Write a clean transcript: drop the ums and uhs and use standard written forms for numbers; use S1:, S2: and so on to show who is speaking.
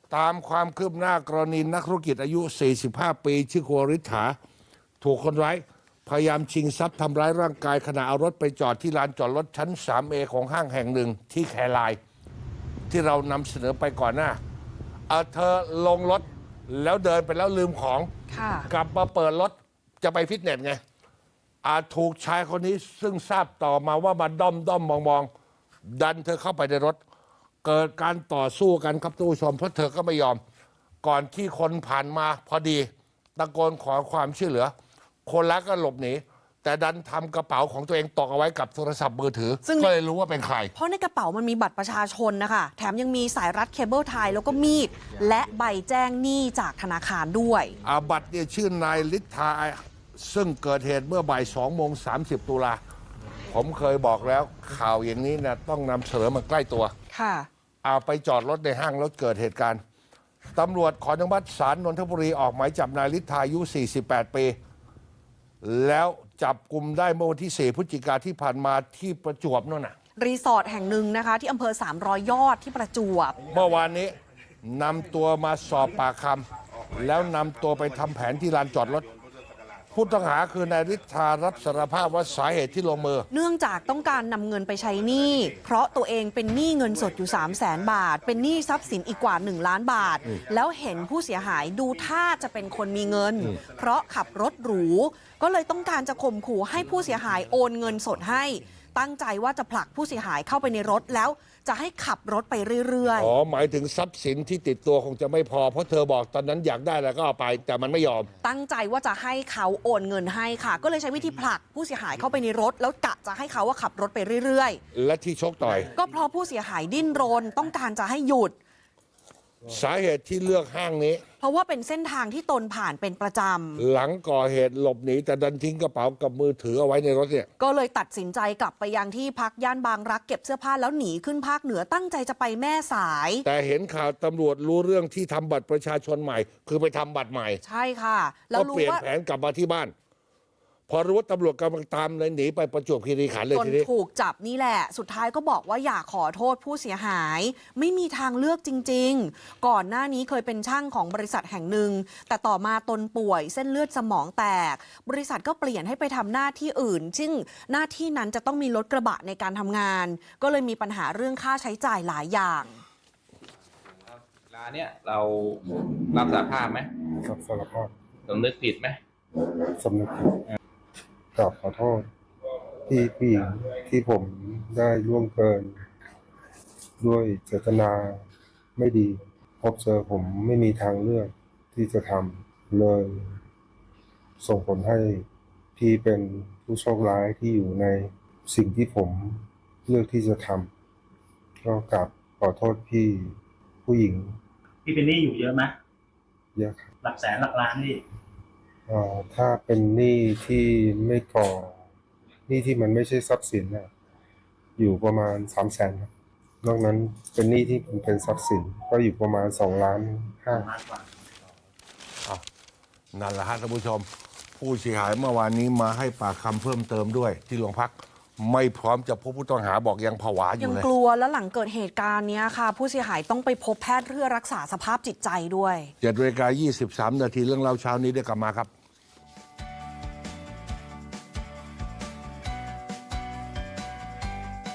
S1: ตามความคืบหน้ากรณีนักธุรกิจอายุ 45 ปีชื่อโคริษฐาถูกคนร้ายพยายามชิงทรัพย์ทำร้ายร่างกายขณะเอารถไปจอดที่ลานจอดรถชั้น 3A ของห้างแห่งหนึ่งที่แครายที่เรานำเสนอไปก่อนหน้าเธอลงรถแล้วเดินไปแล้วลืมของกลับมาเปิดรถจะไปฟิตเนสไงถูกชายคนนี้ซึ่งทราบต่อมาว่ามาด้อมมองดันเธอเข้าไปในรถเกิดการต่อสู้กันครับทุกผู้ชมเพราะเธอก็ไม่ยอมก่อนที่คนผ่านมาพอดีตะโกนขอความช่วยเหลือคนร้ายก็หลบหนีแต่ดันทำกระเป๋าของตัวเองตกเอาไว้กับโทรศัพท์มือถือก็เลยรู้ว่าเป็นใคร
S2: เพราะในกระเป๋ามันมีบัตรประชาชนนะคะแถมยังมีสายรัดเคเบิลไทยแล้วก็มีดและใบแจ้งหนี้จากธนาคารด้วย
S1: บัตรเนี่ยชื่อนายฤทธาซึ่งเกิดเหตุเมื่อบ่าย2:30 ตุลาผมเคยบอกแล้วข่าวอย่างนี้นะต้องนำเสนอมาใกล้ตัว
S2: ค่ะ
S1: ไปจอดรถในห้างแล้วเกิดเหตุการณ์ตำรวจขออนุมัติศาลนนทบุรีออกหมายจับนายฤทธาอายุ 48 ปีแล้วจับกลุ่มได้เมื่อวันที่ 4 พฤศจิกายนที่ผ่านมาที่ประจวบนั่นน่ะ
S2: รีสอร์ทแห่งหนึ่งนะคะที่อำเภอ300 ยอดที่ประจวบ
S1: เมื่อวานนี้นำตัวมาสอบปากคำแล้วนำตัวไปทำแผนที่ลานจอดรถผู้ต้องหาคือนายฤทธารับสารภาพว่าสาเหตุที่ลงมือ
S2: เนื่องจากต้องการนำเงินไปใช้หนี้เพราะตัวเองเป็นหนี้เงินสดอยู่300,000 บาทเป็นหนี้ทรัพย์สินอีกกว่า1 ล้านบาทแล้วเห็นผู้เสียหายดูท่าจะเป็นคนมีเงินเพราะขับรถหรูก็เลยต้องการจะข่มขู่ให้ผู้เสียหายโอนเงินสดให้ตั้งใจว่าจะผลักผู้เสียหายเข้าไปในรถแล้วจะให้ขับรถไปเรื่อย
S1: ๆหมายถึงทรัพย์สินที่ติดตัวคงจะไม่พอเพราะเธอบอกตอนนั้นอยากได้แล้วก็เอาไปแต่มันไม่ยอม
S2: ตั้งใจว่าจะให้เขาโอนเงินให้ค่ะก็เลยใช้วิธีผลักผู้เสียหายเข้าไปในรถแล้วกะจะให้เขาขับรถไปเรื่อย
S1: ๆและที่ชกต่อย
S2: ก็เพราะผู้เสียหายดิ้นรนต้องการจะให้หยุด
S1: สาเหตุที่เลือกห้างนี้
S2: เพราะว่าเป็นเส้นทางที่ตนผ่านเป็นประจ
S1: ำหลังก่อเหตุหลบหนีแต่ดันทิ้งกระเป๋ากับมือถือเอาไว้ในรถเนี่ย
S2: ก็เลยตัดสินใจกลับไปยังที่พักย่านบางรักเก็บเสื้อผ้าแล้วหนีขึ้นภาคเหนือตั้งใจจะไปแม่สาย
S1: แต่เห็นข่าวตำรวจรู้เรื่องที่ทำบัตรประชาชนใหม่คือไปทำบัตรใหม่
S2: ใช่ค่ะ
S1: แล้วรู้ว่าเปลี่ยนแผนกลับมาที่บ้านพอรู้ว่าตำรวจกำลังตามเลยหนีไปประจวบคีรีขันธ์เลยทีนี้
S2: ถูกจับนี่แหละสุดท้ายก็บอกว่าอยากขอโทษผู้เสียหายไม่มีทางเลือกจริงๆก่อนหน้านี้เคยเป็นช่างของบริษัทแห่งหนึ่งแต่ต่อมาตนป่วยเส้นเลือดสมองแตกบริษัทก็เปลี่ยนให้ไปทำหน้าที่อื่นซึ่งหน้าที่นั้นจะต้องมีรถกระบะในการทำงานก็เลยมีปัญหาเรื่องค่าใช้จ่ายหลายอย่าง
S3: ร้านเนี้ยเรารับสารภาพไหม
S4: รับสารภาพ
S3: สำนึกผิดไหม
S4: สำนึกผิดกราบขอโทษที่ผู้หญิงที่ผมได้ล่วงเกินด้วยเจตนาไม่ดีพบเจอผมไม่มีทางเลือกที่จะทำเลยส่งผลให้พี่เป็นผู้โชคร้ายที่อยู่ในสิ่งที่ผมเลือกที่จะทำก็กราบขอโทษพี่ผู้หญิง
S5: พี่เป็นหนี้อยู่เยอะไหม
S4: เยอะครับ
S5: หลักแสนหลักล้านนี่
S4: ถ้าเป็นหนี้ที่ไม่ก่อหนี้ที่มันไม่ใช่ทรัพย์สินนะอยู่ประมาณ300,000ครับนอกนั้นเป็นหนี้ที่เป็นทรัพย์สินก็อยู่ประมาณ2.5 ล้าน
S1: นั่นแหละฮะท่านผู้ชมผู้เสียหายเมื่อวานนี้มาให้ปากคำเพิ่มเติมด้วยที่โรงพักไม่พร้อมจะพบผู้ต้องหาบอกยังผวาอยู่เลย
S2: ยังกลัวแล้วหลังเกิดเหตุการณ์นี้ค่ะผู้เสียหายต้องไปพบแพทย์เพื่อรักษาสภาพจิตใจด้วย
S1: 7:23 นาทีเรื่องเล่าเช้านี้ได้กลับมาครับ